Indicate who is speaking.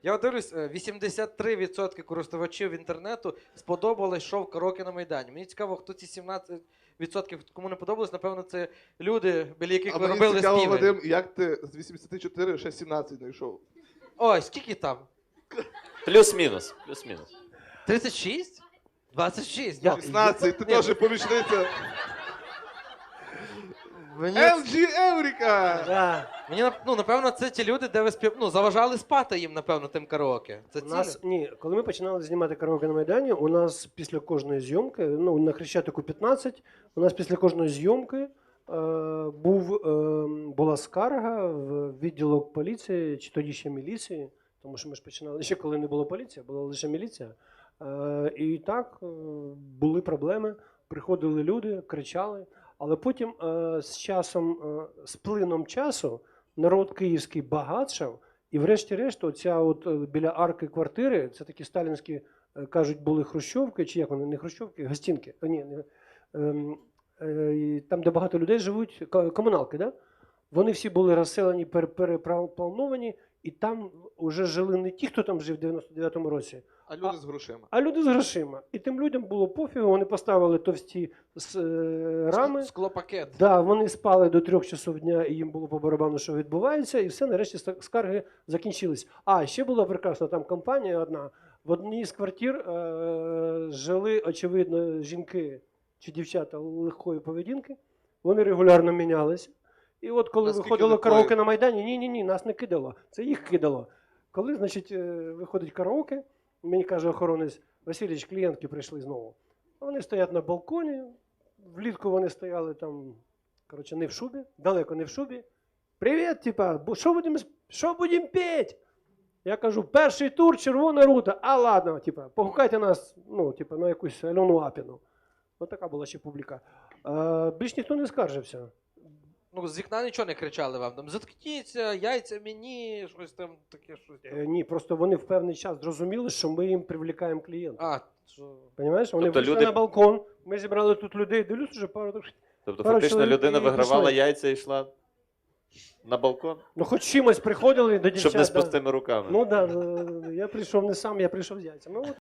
Speaker 1: Я от дивлюсь, 83% користувачів інтернету сподобалось шоу «Караоке на Майдані». Мені цікаво, хто ці 17%, кому не подобалось, напевно, це люди, біля яких ви робили
Speaker 2: цікаво,
Speaker 1: співи.
Speaker 2: Вадим, як ти з 84 ще 17 знайшов?
Speaker 1: Ой, скільки там?
Speaker 3: Плюс-мінус. Плюс-мінус.
Speaker 1: 36? 26?
Speaker 2: 16, ти теж помічниця.
Speaker 1: Мені,
Speaker 2: LG Еврика!
Speaker 4: Да.
Speaker 1: напевно, це ті люди, де ви заважали спати їм, напевно, тим караоке. Це
Speaker 4: У
Speaker 1: ці
Speaker 4: нас,
Speaker 1: люди?
Speaker 4: ні, коли ми починали знімати караоке на Майдані, у нас після кожної зйомки, на Хрещатику 15, у нас після кожної зйомки була скарга в відділок поліції, чи тоді ще міліції, тому що ми ж починали ще коли не було поліції, була лише міліція. І так були проблеми, приходили люди, кричали, але потім з часом, з плином часу народ київський багатшав, і врешті-решт, оця от біля арки квартири, це такі сталінські, кажуть, були хрущовки, чи як вони, не хрущовки, гостинки, там, де багато людей живуть, комуналки, да? Вони всі були розселені, переплановані, і там вже жили не ті, хто там жив в 99-му році,
Speaker 2: А люди з грошима.
Speaker 4: а люди з грошима. І тим людям було пофігу, вони поставили товсті рами.
Speaker 1: Склопакет.
Speaker 4: Да, вони спали до 3 часов дня, і їм було по барабану, що відбувається, і все, нарешті скарги закінчились. А, ще була прекрасна там компанія одна. В одній з квартир жили, очевидно, жінки чи дівчата легкої поведінки. Вони регулярно мінялися. І от коли
Speaker 2: Наскільки
Speaker 4: виходило
Speaker 2: легкої?
Speaker 4: караоке на Майдані, ні, нас не кидало, це їх кидало. Коли, значить, виходить караоке, мені каже охоронець: Васильович, клієнтки прийшли знову. Вони стоять на балконі, влітку вони стояли там, коротше, не в шубі, далеко не в шубі. Привіт, типа, що будемо петь? Я кажу, перший тур, червона рута. А ладно, типа, погукайте нас, на якусь Альону Апіну. Ось така була ще публіка. Більш ніхто не скаржився.
Speaker 1: З вікна нічого не кричали вам, там, заткніться, яйця мені, щось там таке, щось.
Speaker 4: Ні, просто вони в певний час зрозуміли, що ми їм привлікаємо клієнтів.
Speaker 1: Що...
Speaker 4: Понимаєш? Вони
Speaker 3: Тобто
Speaker 4: вийшли
Speaker 3: люди-
Speaker 4: на балкон, ми зібрали тут людей, дивлюсь, вже пару...
Speaker 3: Тобто
Speaker 4: Пару
Speaker 3: фактично
Speaker 4: чоловік
Speaker 3: людина
Speaker 4: і
Speaker 3: вигравала
Speaker 4: пішли.
Speaker 3: яйця і йшла на балкон,
Speaker 4: Ну, хоч чимось приходили до дівчат.
Speaker 3: щоб не з
Speaker 4: да.
Speaker 3: пустими руками.
Speaker 4: Ну, так, да, я прийшов не сам, я прийшов з яйцями.